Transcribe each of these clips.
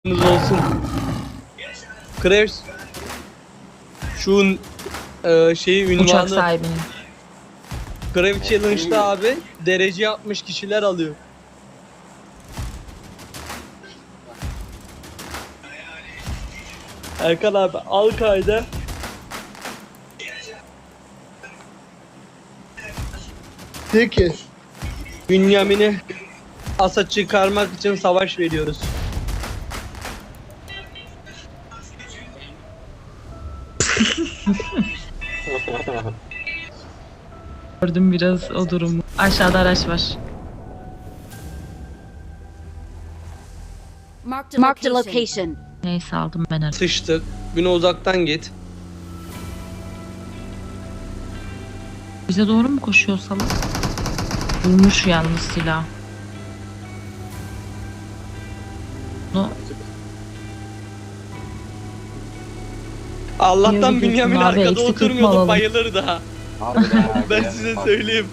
olsun. Krebs şu şeyi Uçak ünvanı sahibinin. Krebs Challenge'da abi derece yapmış kişiler alıyor. Erkan abi al kayda. Peki. Bünyamin'i asa çıkarmak için savaş veriyoruz. Gördüm biraz o durumu. Aşağıda araç var. Marked a location. Neyse aldım ben araç. Sıçtık. Güne uzaktan git. Bize doğru mu koşuyor salak? Vurmuş yalnız silah. No. Allah'tan Yürü Bünyamin gitsin abi, arkada eksik oturmuyordu, tutma bayılır daha. Ben size söyleyeyim.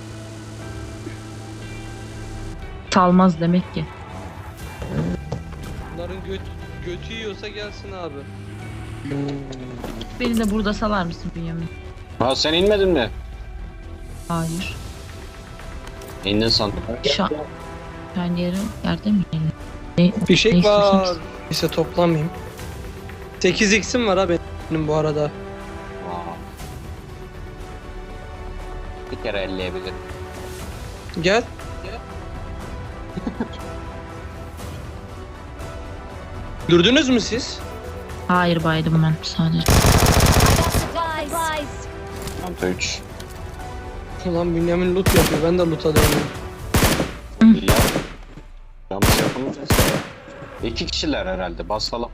Salmaz demek ki. Bunların götü yiyorsa gelsin abi. Beni de burada salar mısın Bünyamin? Ha sen inmedin mi? Hayır. İndin sandım. Sen yerde mi? Fişek Neyse, var. fişek. Neyse toplamayayım. 8x'im var abi benim bu arada. Aa. Bir kere elleyebilirim. Gel. Gördünüz mü siz? Hayır baydım ben sadece. Mantı 3. Ulan Bünyamin loot yapıyor. Ben de loot alıyorum. Ya. Yanlış yapamayacağız. 2 kişiler herhalde. Basalım.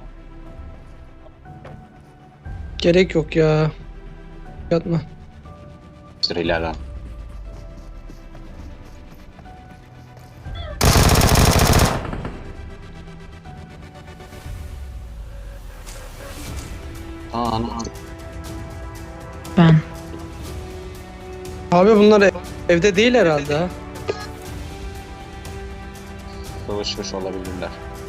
Gerek yok ya. Yatma. Sırayla. Ana. Ben. Abi bunlar evde değil herhalde ha. Savaşmış olabilirler.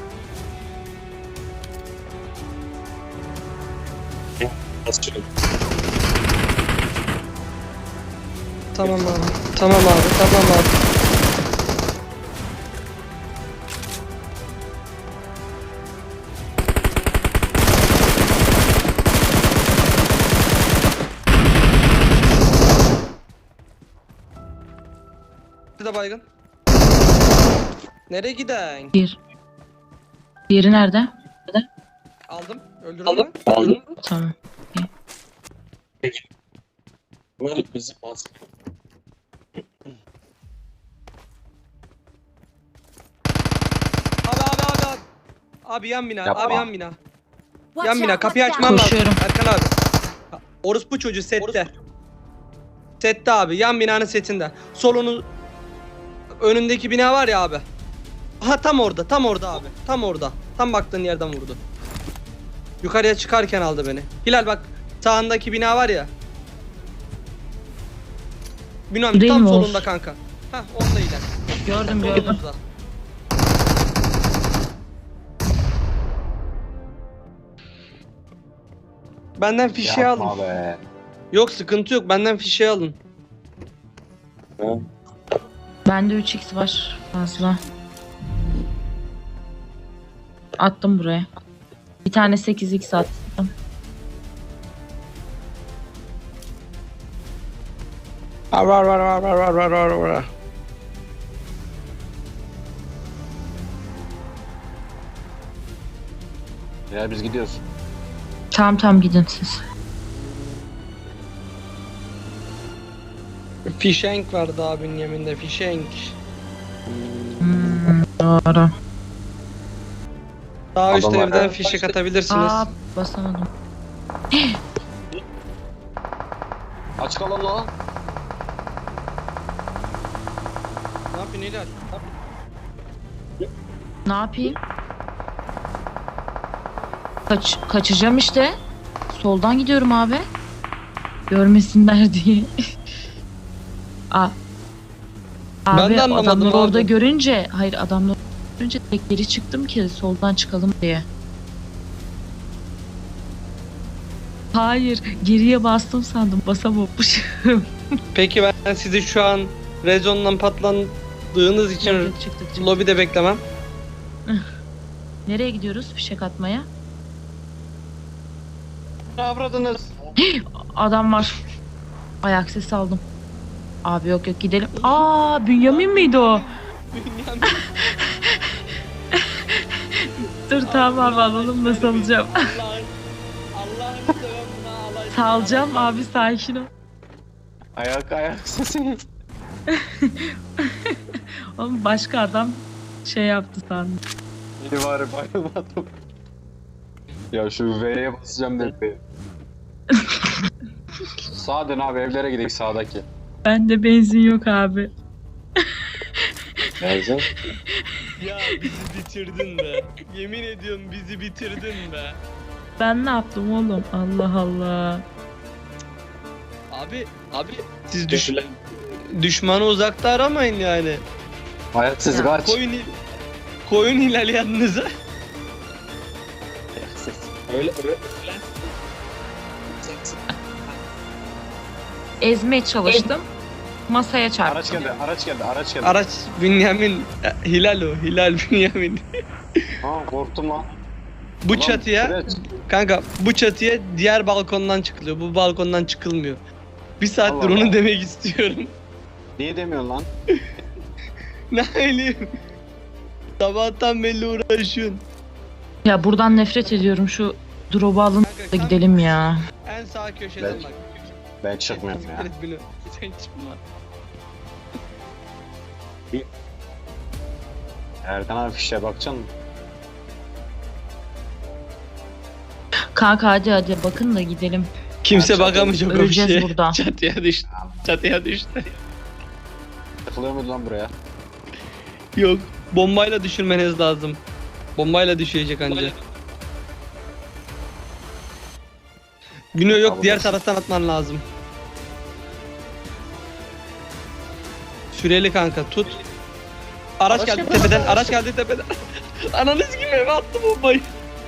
Tamam abi. Tamam abi. Tamam abi. Bir de baygın. Nereye giden? Diğeri nerede? Aldım. Öldürdün mü? Aldım. Tamam. Bizi bas. Abi. Abi yan bina. Yapma. Abi yan bina. Yan bina. Kapıyı açman lazım. Koşuyorum. Erkan abi. Orospu çocuğu sette. Sette abi. Yan binanın setinde. Solunu önündeki bina var ya abi. Aha tam orada. Tam orada abi. Tam orada. Tam baktığın yerden vurdu. Yukarıya çıkarken aldı beni. Hilal bak. Sağındaki bina var ya. Binanın Değil tam mi o? solunda kanka. Hah orada Hilal. Gördüm gördüm. Solumuzda. Benden fişeği alın. Yapma be. Yok sıkıntı yok. Benden fişeği alın. Bende 3x var fazla. Attım buraya. Bir tane 8x attım. Var. Ya biz gidiyoruz. Tamam gidin siz. Fişenk vardı abinin yeminde. Fişenk. Doğru. Daha üst Adamlar- evden fişek atabilirsiniz. Aa basamadım. Aç kalın lan. Ne yapıyorsun Hilal? Ne yapayım? Kaçacağım işte. Soldan gidiyorum abi. Görmesinler diye. Abi Ben de anlamadım adamları abi. orada görünce, hayır adamlar Önce tek geri çıktım ki soldan çıkalım diye. Hayır, geriye bastım sandım, basamamışım. Peki ben sizi şu an rezondan patlandığınız için Çıktık. lobide beklemem. Nereye gidiyoruz fişek atmaya? Ne avradınız? Adam var. Ayak sesi aldım. Abi yok gidelim. Aa, Bünyamin miydi o? Dur tamam abi, alalım da salacağım. Allah'ını seven buna alay. Salacağım abi, sakin ol. Ayak sesi. Oğlum başka adam şey yaptı sandım. Beni var bayılmadım. Ya şu V'ye basacağım dedi. Sağa dön abi, evlere gidelim sağdaki. Bende benzin yok abi. Benzin. Ya bizi bitirdin be. Yemin ediyorum bizi bitirdin be. Ben ne yaptım oğlum? Allah Allah. Abi siz düşmanı uzakta aramayın yani. Ayaksız kaç. Koyun hilal yanınıza. Öyle. Ezmeye çalıştım. Masaya çarptım. Araç geldi. Araç Bünyamin Hilal o. Hilal Bünyamin. Ha, korktum lan. Bu Ulan, çatıya süreç. kanka bu çatıya diğer balkondan çıkılıyor. Bu balkondan çıkılmıyor. Bir saattir Allah onu Allah. demek istiyorum. Niye demiyorsun lan? Ne bileyim. Sabahtan belli uğraşıyorsun. Ya buradan nefret ediyorum, şu drop'u alın da gidelim ya. En sağ köşeden Ben- bak. Ben çıkmıyorum ya. Evet, bunu. Sen çıkma. Erkan abi fişe bakacaksın mı? Kanka hadi bakın da gidelim. Kimse Ha, bakamayacak o bir öleceğiz şeye. burada. Çatıya düştü. Çatıya düştü. Tıkılıyor muydu lan buraya? Yok. Bombayla düşürmeniz lazım. Bombayla düşecek anca. Günü yok, Abi diğer nasıl? taraftan atman lazım. Süreli kanka tut. Araç geldi tepeden, araç geldi tepeden. Ananız gibi eve attı bombayı.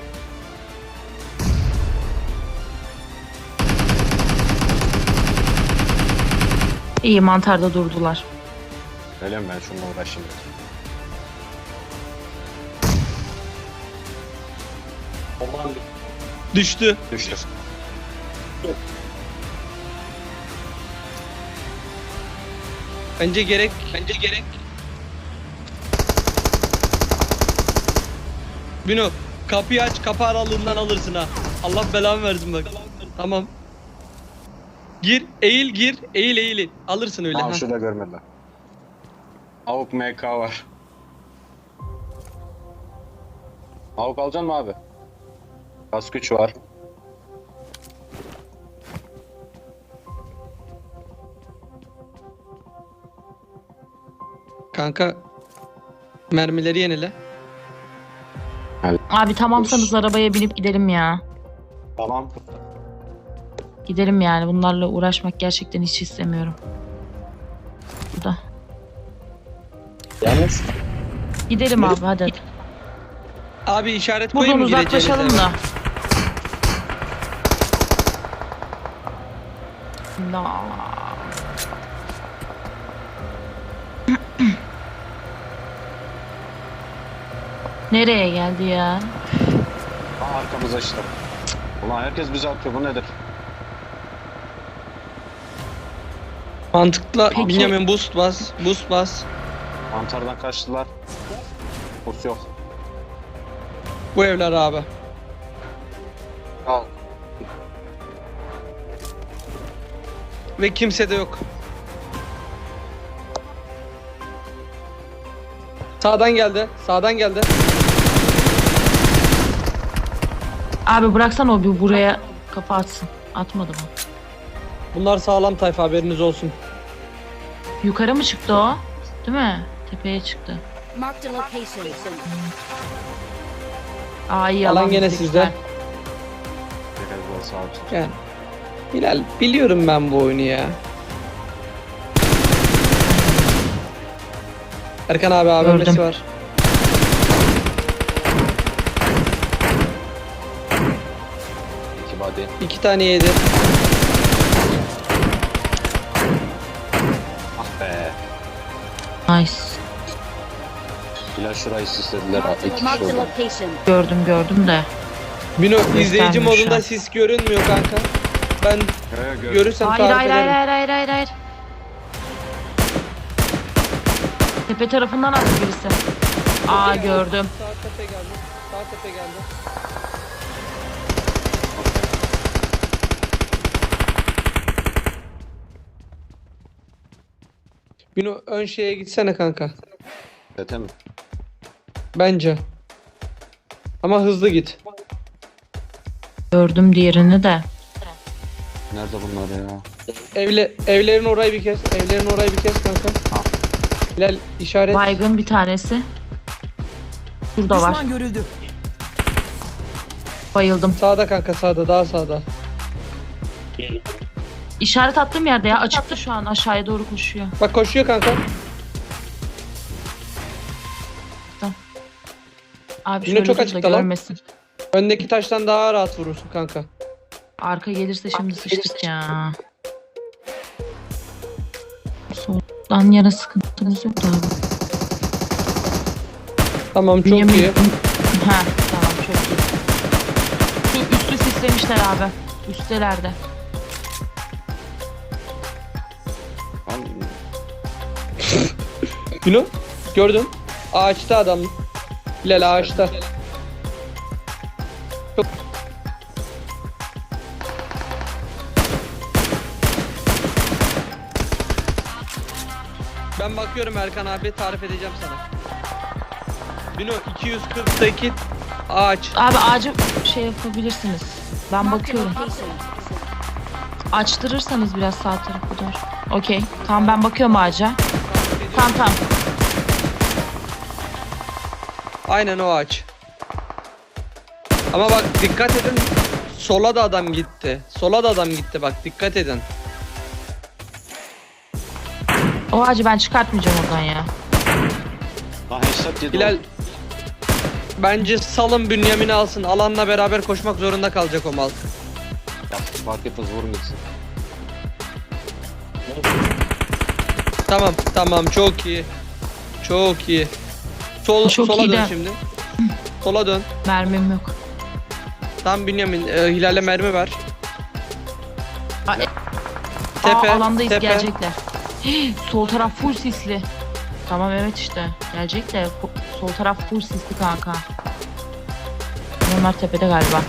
İyi, mantarda durdular. Öyle mi, ben şununla uğraşayım. Düştü. Düştü. Bence gerek. Bino kapıyı aç, kapı aralığından alırsın ha. Allah belanı versin bak. Tamam. Gir, eğil. Alırsın öyle. Tamam, Ha. şurada görmediler. Avuk MK var. Avuk alacaksın mı abi? Gaz güç var. Kanka mermileri yenile. Abi tamamsanız arabaya binip gidelim ya. Tamam. Gidelim yani, bunlarla uğraşmak gerçekten hiç istemiyorum. Burada. Yalnız Gidelim abi hadi. Abi işaret Buradan koyayım mı uzaklaşalım gireceğiniz da. eve? La. Nereye geldi ya? arkamıza işte. Ulan herkes bize atıyor, bu nedir? Mantıklı. Peki. Benjamin boost bas. Mantardan kaçtılar. Bus yok. Bu evler abi. Al. Ve kimse de yok. Sağdan geldi. Abi bıraksan o bir buraya kafa atsın. Atmadı mı? Bunlar sağlam tayfa, haberiniz olsun. Yukarı mı çıktı o? Değil mi? Tepeye çıktı. Marked a location. Aa iyi, Alan gene bizde, sizde. güzel. Biraz daha sağ olsun. Yani. Hilal, biliyorum ben bu oyunu ya. Erkan abi AVM'si Gördüm. var. body. 2 tane yedi. Ah be. Nice. Bilal şurayı süslediler ha. 2 kişi Marked a oldu. location. Gördüm de. Bino izleyici Göstermiyor şu modunda an. sis görünmüyor kanka. Ben görürsem Hayır tarif hayır ederim. hayır. Tepe tarafından attı birisi. Aa gördüm. Sağ tepe geldi. Sağ tepe geldi. Bino ön şeye gitsene kanka. Tete mi? Bence. Ama hızlı git. Gördüm diğerini de. Nerede bunlar ya? Evlerin orayı bir kes. Evlerin orayı bir kes kanka. Ha. Hilal işaret. Baygın bir tanesi. Burada var. Düşman görüldü. Bayıldım. Sağda kanka sağda daha sağda. İşaret attığım yerde ya. Açıktı şu an. Aşağıya doğru koşuyor. Bak koşuyor kanka. Abi Yine şöyle çok dur da açıkta lan. görmesin. Öndeki taştan daha rahat vurursun kanka. Arka gelirse şimdi sıçtık ya. Soldan yana sıkıntımız yok da abi. Tamam çok Bünyamin- iyi. Ha tamam çok iyi. Şu üstü sislemişler abi. Üstelerde. Lan, Bino gördün. Ağaçta adam. Hilal ağaçta. Çok... Ben bakıyorum Erkan abi tarif edeceğim sana. Bino 248 ağaç. Abi ağacı şey yapabilirsiniz. Ben Marked a bakıyorum. location. Açtırırsanız biraz sağ tarafı doğru. Okey. Tamam ben bakıyorum ağaca. Tamam. Aynen o ağaç. Ama bak dikkat edin. Sola da adam gitti. Sola da adam gitti bak dikkat edin. O ağacı ben çıkartmayacağım oradan ya. lan headshot yedi. Hilal bence salın Bünyamin'i alsın. Alanla beraber koşmak zorunda kalacak o mal. Ya fark etmez vurun gitsin. Tamam çok iyi. Çok iyi. Çok sola iyi dön de. şimdi. Sola dön. Mermim yok. Tam Bünyamin Hilal'e mermi ver. Aa, Tepe, alandayız tepe. gelecekler. Sol taraf full sisli. Tamam evet işte. Gelecek de sol taraf full sisli kanka. Onlar tepede galiba.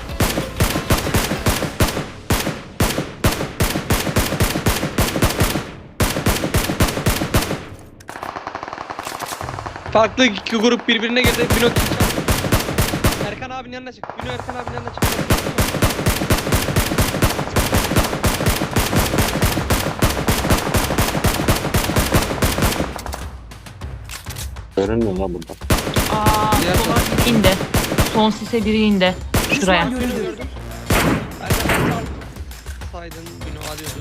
Farklı iki grup birbirine girdi. Bino Erkan abinin yanına çık. Bino Erkan abinin yanına çık. Görünmüyor lan burada. Aa Diğer sola biri indi. Son sise biri indi. Şuraya. Düşman görüldü. Erkan abi saydın Bino alıyordu.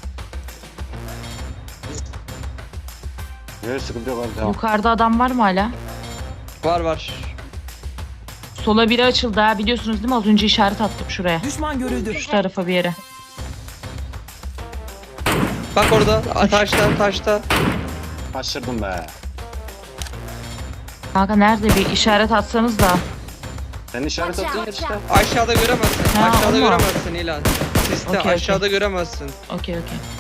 Evet sıkıntı yok abi devam. Yukarıda adam var mı hala? Var. Sola biri açıldı ha biliyorsunuz değil mi? Az önce işaret attım şuraya. Düşman görüldü. Şu tarafa bir yere. Bak orada taşta. Kaçırdım be. Kanka nerede bir işaret atsanız da. Sen işaret attın ya işte. Aşağıda göremezsin. Ha, Aşağıda ama. göremezsin İlan. Siste Okey, aşağıda göremezsin. Okey.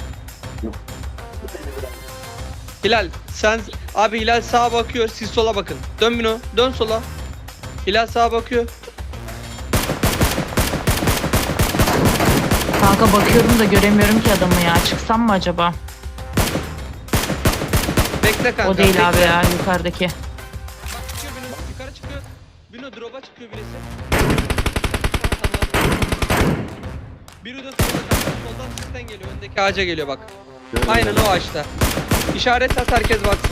Hilal sen abi Hilal sağa bakıyor siz sola bakın. Dön Bino dön sola. Hilal sağa bakıyor. Kanka bakıyorum da göremiyorum ki adamı ya. Çıksam mı acaba? Bekle kanka. O değil bekle. abi ya yukarıdaki. Bak çıkıyor Bino yukarı çıkıyor. Bino drop'a çıkıyor birisi. Tamam. Biri de solda kanka. Soldan sizden geliyor. Öndeki ağaca geliyor bak. Gördüm Aynen ben. o ağaçta. İşaret at herkes baksın.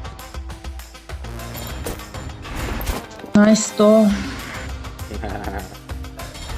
Nice do.